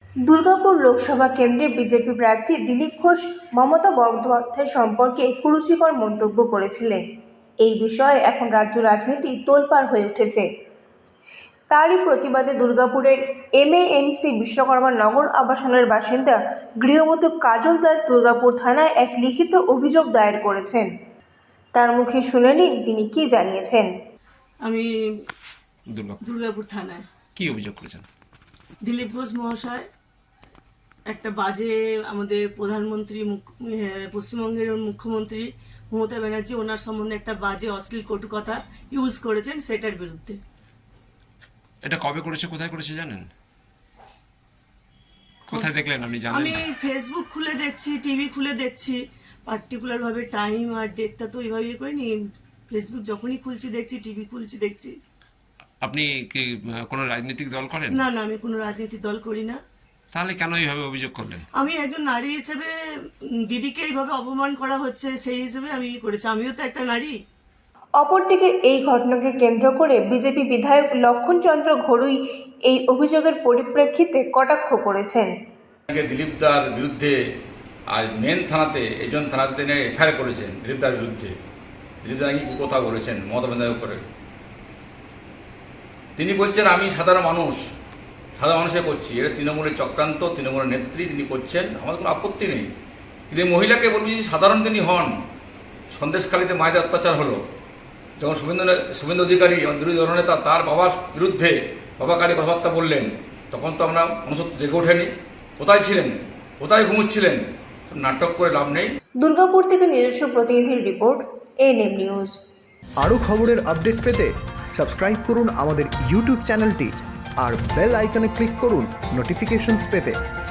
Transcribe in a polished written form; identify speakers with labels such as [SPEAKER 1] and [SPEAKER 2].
[SPEAKER 1] দুর্গাপুর লোকসভা কেন্দ্রে বিজেপি প্রার্থী দিলীপ ঘোষ মমতা বন্দ্যোপাধ্যায় সম্পর্কে কুরুচিকর মন্তব্য করেছিলেন। এই বিষয়ে এখন রাজ্য রাজনীতি তোলপাড় হয়ে উঠেছে। তারই প্রতিবাদে দুর্গাপুরের MANC বিশ্বকর্মা নগর আবাসনের বাসিন্দা গৃহবধূ কাজল দাস দুর্গাপুর থানায় এক লিখিত অভিযোগ দায়ের করেছেন। তার মুখে শুনে নিন তিনি কি জানিয়েছেন।
[SPEAKER 2] আমি দুর্গাপুর থানায়
[SPEAKER 3] কি অভিযোগ করেছেন?
[SPEAKER 2] দিলীপ ঘোষ মহাশয় একটা বাজে আমাদের প্রধানমন্ত্রী পশ্চিমবঙ্গের মুখ্যমন্ত্রী মমতা ব্যানার্জি ওনার সম্বন্ধে একটা বাজে অশ্লীল কটু কথা ইউজ করেছেন, সেটার বিরুদ্ধে।
[SPEAKER 3] এটা কবে করেছে, কোথায় করেছে জানেন? কোথায় দেখলেন আপনি জানেন?
[SPEAKER 2] আমি ফেসবুক খুলে দেখছি, টিভি খুলে দেখছি, পার্টিকুলার ভাবে টাইম আর ডেটটা তো এইভাবে করিনি। ফেসবুক যখনই খুলছি দেখছি, টিভি খুলছি দেখছি।
[SPEAKER 3] আপনি কি কোনো রাজনৈতিক দল করেন?
[SPEAKER 2] না, আমি কোনো রাজনৈতিক দল করি না।
[SPEAKER 3] তাহলে কেন এইভাবে অভিযোগ করলেন?
[SPEAKER 2] আমি একজন নারী হিসেবে দিদিকে এইভাবে অপমান করা হচ্ছে, সেই হিসেবে আমি করেছি। আমিও তো একটা নারী।
[SPEAKER 1] অপরদিকে এই ঘটনাকে কেন্দ্র করে বিজেপি বিধায়ক লক্ষণচন্দ্র ঘড়ুই এই অভিযোগের পরিপ্রেক্ষিতে কটাক্ষ করেছেন।
[SPEAKER 4] দিলীপ দার বিরুদ্ধে আর মেন থানাতে একজন থানাতে এফআইআর করেছেন দিলীপ দার বিরুদ্ধে। দিলীপ দা নাকি কথা বলেছেন মমতা বন্দ্যোপাধ্যায়ের উপরে। তিনি বলছেন আমি সাধারণ মানুষে করছি, এটা তৃণমূলের চক্রান্ত, তৃণমূলের নেত্রী তিনি করছেন, আমাদের কোনো আপত্তি নেই। কিন্তু মহিলাকে বলবি যে সাধারণ তিনি হন। সন্দেশখালীতে মায়েদের অত্যাচার হলো, যখন শুভেন্দু অধিকারী বিরোধী দলনেতা তার বাবার বিরুদ্ধে বাবাকারী কথাবার্তা বললেন, তখন তো আমরা মনুষ্যত্ব জেগে ওঠেনি। কোথায় ছিলেন, কোথায় ঘুমোচ্ছিলেন? নাটক করে লাভ নেই।
[SPEAKER 1] দুর্গাপুর থেকে নিজস্ব প্রতিনিধির রিপোর্ট, ANM নিউজ।
[SPEAKER 5] আরও খবরের আপডেট পেতে সাবস্ক্রাইব করুন আমাদের ইউটিউব চ্যানেলটি আর বেল আইকনে ক্লিক করুন নোটিফিকেশনস পেতে।